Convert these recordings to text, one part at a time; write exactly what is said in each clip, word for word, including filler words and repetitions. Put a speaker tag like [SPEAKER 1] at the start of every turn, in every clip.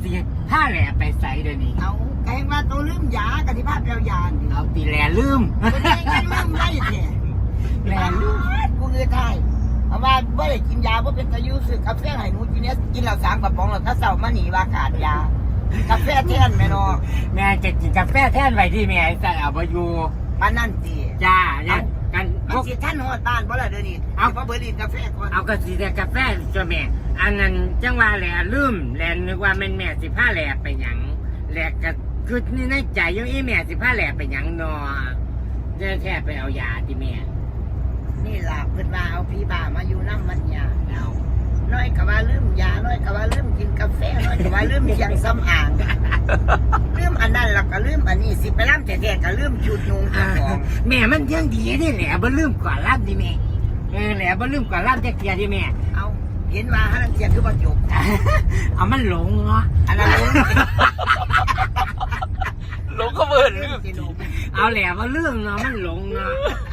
[SPEAKER 1] สิผ้าแหล่ไปใส่เดี๋ยวนี้
[SPEAKER 2] เอาแกงว่าตัวลืมยากะทิภาพยานี่
[SPEAKER 1] เอาตีแหล่ลืม
[SPEAKER 2] ตัวเองกันลืมได้แท้
[SPEAKER 1] แหล่ลืม
[SPEAKER 2] กูเงยไทยเพราะว่าไม่ได้กินยาเพราะเป็นตะยุสึกกาแฟไห้หนูกินเนี้ยกินเหล้าสามกระป๋องแล้วถ้าเศร้ามาหนีว่าขาดยากาแฟแท่นแม่นอ
[SPEAKER 1] แม่จะกินกาแฟแท่นไว้ที่แม่ใส่เอาไปอยู่
[SPEAKER 2] มันนั่นสิ
[SPEAKER 1] จ้าเนี่ยกัน
[SPEAKER 2] มันสิท่านหอดบ้านเพราะอะไรเดี๋ยวนี้เอาเพราะเบอร์ลินกาแฟก่อน
[SPEAKER 1] เอากระสีแต่กาแฟจ้าแม่อันนั้นจังว่าแหล่ลืมแหล่นึกว่าแม่แม่สิผ้าแหล่ไปหยังแหล่ก็คือนี่ในใจยังอีแม่สิผ้าแหล่ไปหยังนอจะแค่ไปเอายาที่แม่
[SPEAKER 2] นี่หลับขึ้นมาเอาพี่บ่ามาอยู่น้ำมันยาเอาน้อยกับว่าลืมยาน้อยกับว่าลืมกินกาแฟน้อยกับว่าลืมเชียงซ้ำอ่างลืมอันนั้นแล้วก็ลืมอันนี้สิไปล่ำแต่แดกก็ลืมชุดนุ่งของ
[SPEAKER 1] แม่มันยังดีนี่แหละบ่ลืมก่อนล่ำดิแม่เออแหละบ่ลืมก่อนล่ำจะเกียร์ดิแม่
[SPEAKER 2] เอาเห็นว่าฮันเทียนคือบ่จบ
[SPEAKER 1] เอามันหลงเนาะ
[SPEAKER 2] อันนั้นหลง
[SPEAKER 3] หลงก็เบิ่นลืม
[SPEAKER 1] เอาแหละบ่ลืมเนาะมันหลงเนาะ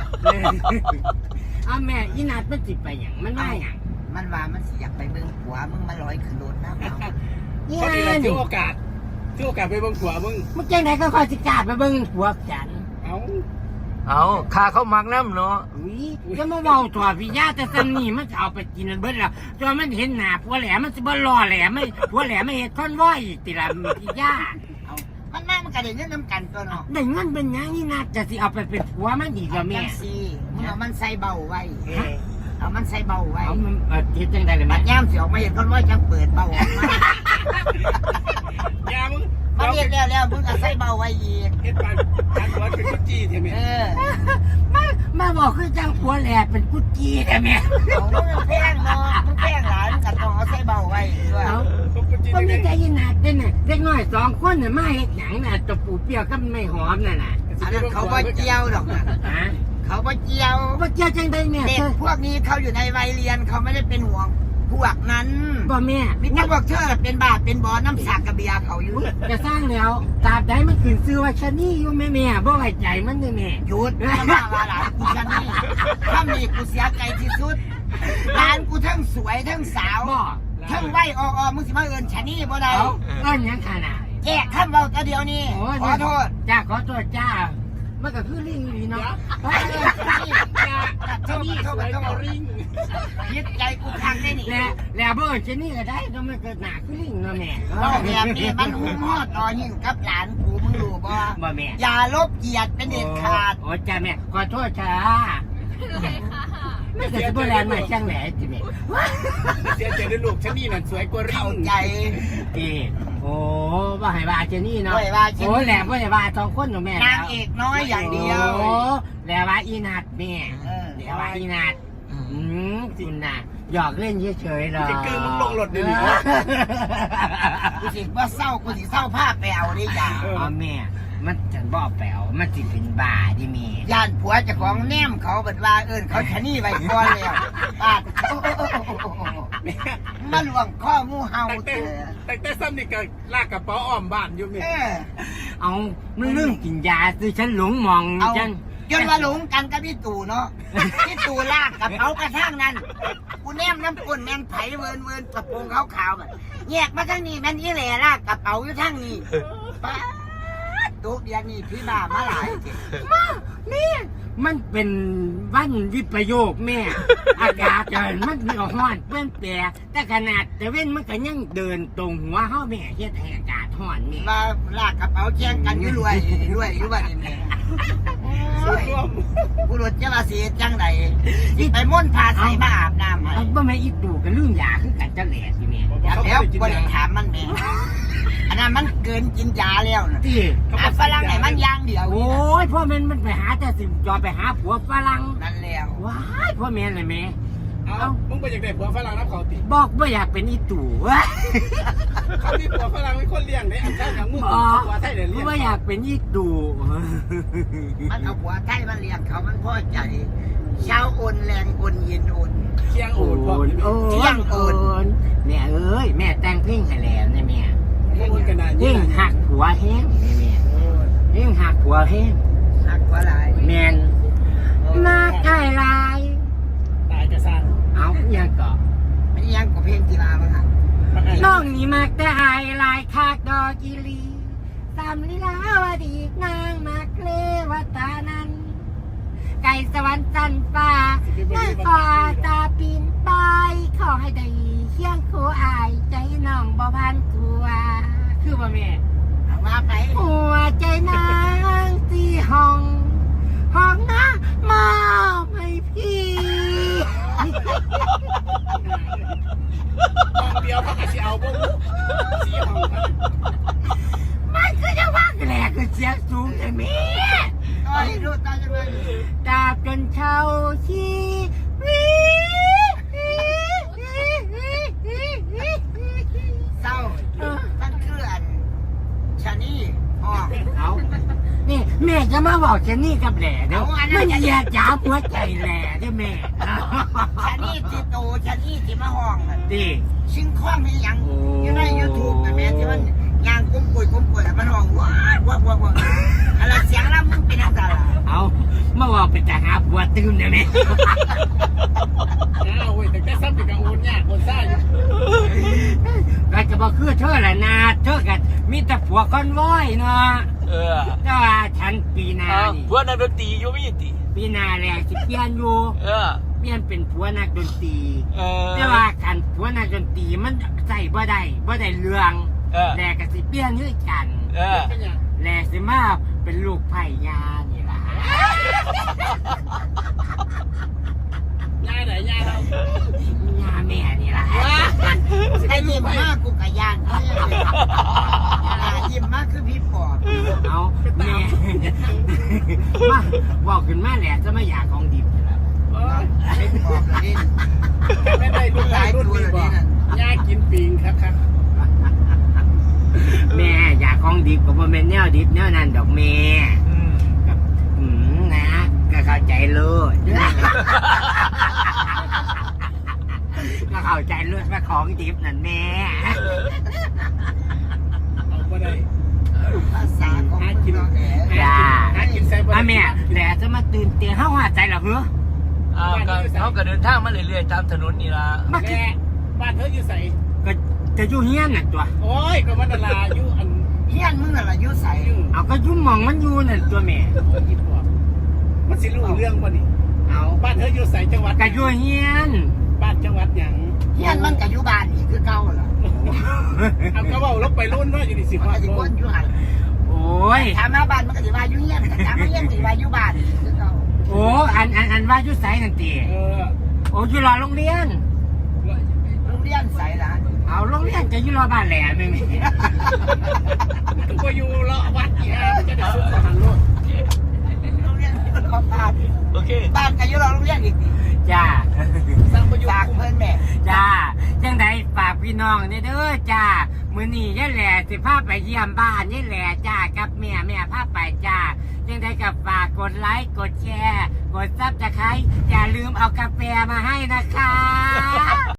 [SPEAKER 1] เอาแม่อีนัดมันสิไปหยังมันว่าหยัง
[SPEAKER 2] มันว่ามันสิอยากไปเบิ่งผัวมึงมาลอยขึ้นรถนะเอา
[SPEAKER 3] พอดีเราถือโอกาสถือโอกาสไปเบิ่งผัวมึง
[SPEAKER 1] มึงจังได๋ก็ค่อยสิกล้าไปเบิ่งผัวฉัน
[SPEAKER 3] เอา
[SPEAKER 4] เอาข้าเขามักน้ำเนาะ
[SPEAKER 1] อุ้ยจะมาเว้าตัวพี่ย่าแต่ซันนี่มันเอาไปกินเบิดแล้วจนมันเห็นหน้าผัวแหลมมันสิบ่รอแหลมไม่ผัวแหลมไม่เฮ็ดคอนวอยติล่ะพี่ย่า
[SPEAKER 2] เอามันน่ามันก็ได้เงินนำกันตัวเนาะ
[SPEAKER 1] ได้เงินเป็นหยังนี่น่าจะสิเอาไปเป็นผัวมันอีกแล้วแม่
[SPEAKER 2] สิมึงเอามันใส่เบาไว้เอามันใส่เบาไว้
[SPEAKER 1] เอามันเฮ็ดจังได๋ล่ะ
[SPEAKER 2] มั
[SPEAKER 1] แม่
[SPEAKER 2] นย่ามสิออกมาเห็นคอนวอยจังเปิดเบาออกมา
[SPEAKER 3] อย่ามึง
[SPEAKER 2] มันเฮ็ดแล้วแล้วมึงก็ใส่เบาไว้อีก
[SPEAKER 3] เฮ็ดปานปานหัวเป็นกุจีแท้แม่
[SPEAKER 2] เออ
[SPEAKER 1] มามาบอกคือจังผัวแหลมเป็นกุจีแท้แม่
[SPEAKER 2] เอามึงแพงเนาะมึงแพงหลายมึงก็ต้องเอาใส่เบาไว้ด้วย
[SPEAKER 1] เอาก็มีใจยินนาดเด้น่ะเด็กน้อยสองคนน่ะมาเฮ็ดหยังน่ะตะปูเปรี้ยวกับไม่หอมนั่นน่ะ
[SPEAKER 2] อันนั้นเขาบ่เจียวดอกนะ
[SPEAKER 1] ฮะ
[SPEAKER 2] เขาบ่เจียว
[SPEAKER 1] บ่เจียวจังได๋แม่
[SPEAKER 2] เด็กพวกนี้เขาอยู่ในวัยเรียนเขาไม่ได้เป็นห่วงพวกนั้น
[SPEAKER 1] บ่แม่
[SPEAKER 2] มิตรพวกเธอเป็นบาปเป็นบ่อน้ำสากกระเบียเขาอยู่
[SPEAKER 1] จะสร้างแล้วตราบใดมันขึ้นชื่อว่าชะนี่อยู่แม่แม่บ่ไว้ใจมันเด้อแม่
[SPEAKER 2] หยุดมาว่าว่าหลานกูชะนี่ถ้ามีกูเสียใจที่สุดหลานกูทั้งสวยทั้งสาวทั้งไหวออๆมึงสิมาเอิ้นชะนี่บ่ได้
[SPEAKER 1] เอิ้นหยังคั่นน่ะ
[SPEAKER 2] แจกคำเว้าแต่เดียวนี้ขอโทษ
[SPEAKER 1] จ้าขอโทษจ้ามันก็คือลิงนี่เนาะ
[SPEAKER 2] ชะนี่เขาก็ต้องลิงยึดใจกูพังได้นี่
[SPEAKER 1] แล้วแล้วบ่ชะนี่ก็ได้ก็มันก็หน้าคือลิงเนาะแม่
[SPEAKER 2] บ่แบบนี้มันหุ้มฮอดต่อหิ้งกับหลานกูมึงรู้บ่
[SPEAKER 1] บ่แม่
[SPEAKER 2] อย่าลบเกียรติเป็นเด็ดขาด
[SPEAKER 1] โอ้จ้าแม่ขอโทษจ้าไม่ใช่โบราณมาช่างแหล่จิแม่
[SPEAKER 3] เสียใจด้วยลูกชะนี่นั่นสวยกว่าริง
[SPEAKER 2] ใจ
[SPEAKER 1] เอโอ้ว่าให้ว่าเจนี่เนาะโอ้แหล่บ่ได้ว่าสองคนเนาะแม่
[SPEAKER 2] นางเอกน้อยอย่างเดียว
[SPEAKER 1] โอ้แหล่ว่าอีนัดแม่แหล่ว่าอีนัดอืมคุณน่ะหยอกเล่นเฉยๆหรอ
[SPEAKER 3] จะเกินมึงลงรถเดี๋ยวนี้
[SPEAKER 2] กูสิว่าเศร้ากูสิเศร้าผ้าแปลวได้ยา
[SPEAKER 1] อ๋อแม่มันฉันบ่แปลวมันสิเป็นบ้าดิแม่
[SPEAKER 2] ย่านผัวเจ้าของแนมเขาเบิดว่าเอิ้นเขาชะนี่ไว้ก่อนแล้วปาดมาหลวงข้อมูเฮา
[SPEAKER 3] แต่แต่แต่ซ้ำนี่ก็ลากกระเป๋าอ้อมบ้านอยู่แม่
[SPEAKER 1] เอามันเรื่องกินยาสิฉันหลงมองจัง
[SPEAKER 2] จนว่าหลงกันกับพี่ตู่เนาะพี่ตู่ลากกระเป๋ากระทั่งนั้นกูแนมน้ำก้นแมงไผ่เวินเวินกระโปรงขาวๆแบบแยกมาทั้งนี้แม่นอีแหล่ลากกระเป๋าอยู่ทั้งนี้ป้าตุ๊กเดียนี่พี่บ้ามาหลาย
[SPEAKER 1] มานี่มันเป็นวันวิปโยคแม่อากาศเดินมันมีร้อนเปลี่ยนแปลงแต่ขนาดแต่เว้นมันก็ยังเดินตรงหัวเฮาแม่เฮ็ดให้อากาศร้อนแม่
[SPEAKER 2] มาลากกระเป๋าแจ้งกันอยู่รวยรวยอยู่บ้านนี่แม่ผู้รถจะมาเสียจังใดไปม่นพาใส่มาอาบน้ำให้
[SPEAKER 1] บ่แม่อีตู่กับลืมยาคือกันจังแหล่สิแม่
[SPEAKER 2] แล้วบ่ได้ถามมันแม่อันนั้นมันเกินกินยาแล้วนะ
[SPEAKER 1] ที่
[SPEAKER 2] หาฝรั่งไหนมันยางเดียว
[SPEAKER 1] โอ้ยพ่อแม่มันไปหาแต่สิจอไปหาผัวฝรั่ง
[SPEAKER 2] นั่นแล้ว
[SPEAKER 1] ว้ายพ่อแม่เลยแม่
[SPEAKER 3] เอ้ามึงไปอยากได้ผัวฝรั่งรับเขาติ
[SPEAKER 1] บอกว่าอยากเป็นอีตู่
[SPEAKER 3] เขามีผัวฝรั่งเป็นคนเลี้ยงได้อันเจ้าอย่างมึงผัวไทยเลี้ยง
[SPEAKER 1] ว่าอยากเป็นอีตู่
[SPEAKER 2] มันเอาผัวไทยมันเลี้ยงเขามันพอใจเช้าโอนแรงโอนเย็นโอน
[SPEAKER 3] เที่ยงโอน
[SPEAKER 2] เที่ยงโอน
[SPEAKER 1] แม่เอ้ยแม่แต่งเพลงให้แล้วเนี่ยแม่
[SPEAKER 3] เ
[SPEAKER 1] ยิ่งหักหัวแห้งนี่แม่ยิ่งหักหัวแห้ง
[SPEAKER 2] หักหัวลาย
[SPEAKER 1] แม่นมาใกล้ลาย
[SPEAKER 3] ตายจะสั้น
[SPEAKER 1] เอายังเกาะ
[SPEAKER 2] ไม่ยังกับเพลงกีฬาบ้างอ่ะ
[SPEAKER 1] น้องนี่มากแต่อายลายค่ะกิรีสำลีลาวดีนางมาเลวตานันไก่สวรรค์จันฟ้านั่งคอตาปีนไปขอให้ได้เคียงคู่อายใจน้องบ่พันตัวคือบ่แม่
[SPEAKER 2] เอาว่าไป
[SPEAKER 1] หัวใจนางที่ห้องห้องนะมอบให้พี่
[SPEAKER 3] ห้องเดียวเขาก็สิเอาบ่สี่ห้องครับ
[SPEAKER 1] มันคือจะว่าแหลกคือเสียงสูงแต่แม่
[SPEAKER 2] ต่อให้รู้ต่อจะเลย
[SPEAKER 1] ตราบจนเช่าชีวิต
[SPEAKER 2] เศร้าท่านคืออันชะนี่อ๋อ
[SPEAKER 1] เอานี่แม่จะมาบอกฉันนี่กับแหล่เดี๋ยวมันเหยียดหยามหัวใจแหล่เด้อแม่
[SPEAKER 2] ชะนี่ที่โตชะนี่ที่มาห้องน่ะ
[SPEAKER 1] ดิ
[SPEAKER 2] ชิงคล้องนี่ยัง
[SPEAKER 1] โอ้
[SPEAKER 2] อยู่ในยูทูบนะแม่ที่มันยางกุ้มกุยกุ้มกุยแล้วมันห้องว้าวว้าวว้าวว้าวอะไรเสียงแล้วมึงเป็นอะไรล่ะ
[SPEAKER 1] เอามาบอกเป็นจะหาผัวตื่นเด้อแม่
[SPEAKER 3] อ้าวเว้ยแต่ก็ซ้ำเป็นกังวลยากคนซ่าอยู่
[SPEAKER 1] ก็จะบอกคือเธอละนาเธอกันมีแต่ผัวคอนว้อยเนาะ
[SPEAKER 4] เออ
[SPEAKER 1] แต่ว่าฉันปีหนา
[SPEAKER 4] อ้าว
[SPEAKER 1] นี่
[SPEAKER 4] พวกนักดนตรีอยู่ไม่ยินติ
[SPEAKER 1] ปีหนาแหละสิเปลี่ยนอยู่
[SPEAKER 4] เออ
[SPEAKER 1] เปลี่ยนเป็นผัวนักดนตรี
[SPEAKER 4] เออ
[SPEAKER 1] แต่ว่าขันผัวนักดนตรีมันใส่บ่ได้บ่ได้เรื่อง
[SPEAKER 4] เออ
[SPEAKER 1] แหละก็สิเปลี่ยนคือกัน
[SPEAKER 4] เออ
[SPEAKER 3] เป็นหยัง
[SPEAKER 1] แหละสิมาเป็นลูกไผ่ยานี่ล่ะ
[SPEAKER 3] ยายไหนยายเรา
[SPEAKER 1] ยาแม่นี่ล่ะ
[SPEAKER 2] ไอ้ยิ้มมากกูกะยานเขาเนี่ยยิ้มมากคือพี่ปอบ
[SPEAKER 1] เอาแม่ มาบอกขึ้นมาแหละจะไม่อยากของดิบนี่ล่ะ
[SPEAKER 3] เอ้ย
[SPEAKER 2] พี่ปอบเลยนี่
[SPEAKER 3] ไม่ได้รุ่นหลายรุ่นดีบ่ยายกินปิงครับครับ
[SPEAKER 1] แม่อยากของดิบก็บ่แม่นแนวดิบแนวนั้นดอกแม่
[SPEAKER 4] อืม
[SPEAKER 1] กับอืมนะก็เข้าใจเลยก็เข้าใจเลยว่าของดิบนั่นแม่
[SPEAKER 3] เอาบ่ได้
[SPEAKER 2] ภาษาของคุณน้องแหน
[SPEAKER 1] จ้า
[SPEAKER 3] หากินใส่บ่ได้
[SPEAKER 1] อ่ะแม่แหละจะมาตื่นเตียงเฮาหัวใจเหรอเหรอ
[SPEAKER 4] อ้าวก็เขาก็เดินทางมาเรื่อยๆตามถนนนี่ล่ะ
[SPEAKER 1] มา
[SPEAKER 3] แม่บ้านเธออยู่ใส่
[SPEAKER 1] ก็จะอยู่เฮียนน่ะตัว
[SPEAKER 3] โอ้ยก็มันดาราอยู่อัน
[SPEAKER 2] เฮียนมึงน่ะละยุ่ใส
[SPEAKER 3] ยุ่ง
[SPEAKER 1] เอาก็อยุ่หมองมันอยู่น่ะตัวแม่
[SPEAKER 3] โอ้ยอีปอบมันสิรู้เรื่องบ่นี่
[SPEAKER 1] เอา
[SPEAKER 3] บ้านเธออยู่ใส่จังหวัด
[SPEAKER 1] ก็อยู่เฮียน
[SPEAKER 3] บ้านจังหวัดหยัง
[SPEAKER 2] เฮียนมันกับยุบานอีกคือเก่าล่ะ
[SPEAKER 3] เอาก็เว้าลบไปรุ่นเนาะอยู่นี่สิ
[SPEAKER 2] มัน
[SPEAKER 3] ฮอ
[SPEAKER 2] ก็
[SPEAKER 3] ด
[SPEAKER 2] สิ
[SPEAKER 3] โล
[SPEAKER 2] วนอยู่หัน
[SPEAKER 1] โอ้ย
[SPEAKER 2] ถามมาบ้านมันก็สิว่าอยู่เฮียนถามมาเฮียนก็สิว่าอยู่บ้านอีกคือเก่า
[SPEAKER 1] โอ้อันอันอันว่าอยู่ไสนั่นติ
[SPEAKER 3] เออ
[SPEAKER 1] โอ้อยู่รอโรงเรียน
[SPEAKER 2] โรงเรียนใสล่ะ
[SPEAKER 1] เอาโรงเรียนจะอยู่รอบ้านแหล่แม่แม่
[SPEAKER 3] ก็อยู่เลาะวัดอีฮะจะได้สุขหันโลด
[SPEAKER 2] โรงเรียนอยู่รอบบ้าน
[SPEAKER 4] โอเค
[SPEAKER 2] บ้านก็อยู่รอบโรงเรียนอีก
[SPEAKER 1] จ้า
[SPEAKER 3] สร้างประโยช
[SPEAKER 2] ฝาก
[SPEAKER 3] น์
[SPEAKER 2] เพิ่นแม่
[SPEAKER 1] จ้าจังใดฝากพี่น้องเนี่ยเด้อจ้ามื้อนี้ยายแหล่สิพาไปเยี่ยมบ้านยายแหล่จ้ากับแม่แม่พาไปจ้าจังใดกับฝากกดไลค์กดแชร์กดซับสไครต์อย่าลืมเอากาแฟมาให้นะคะ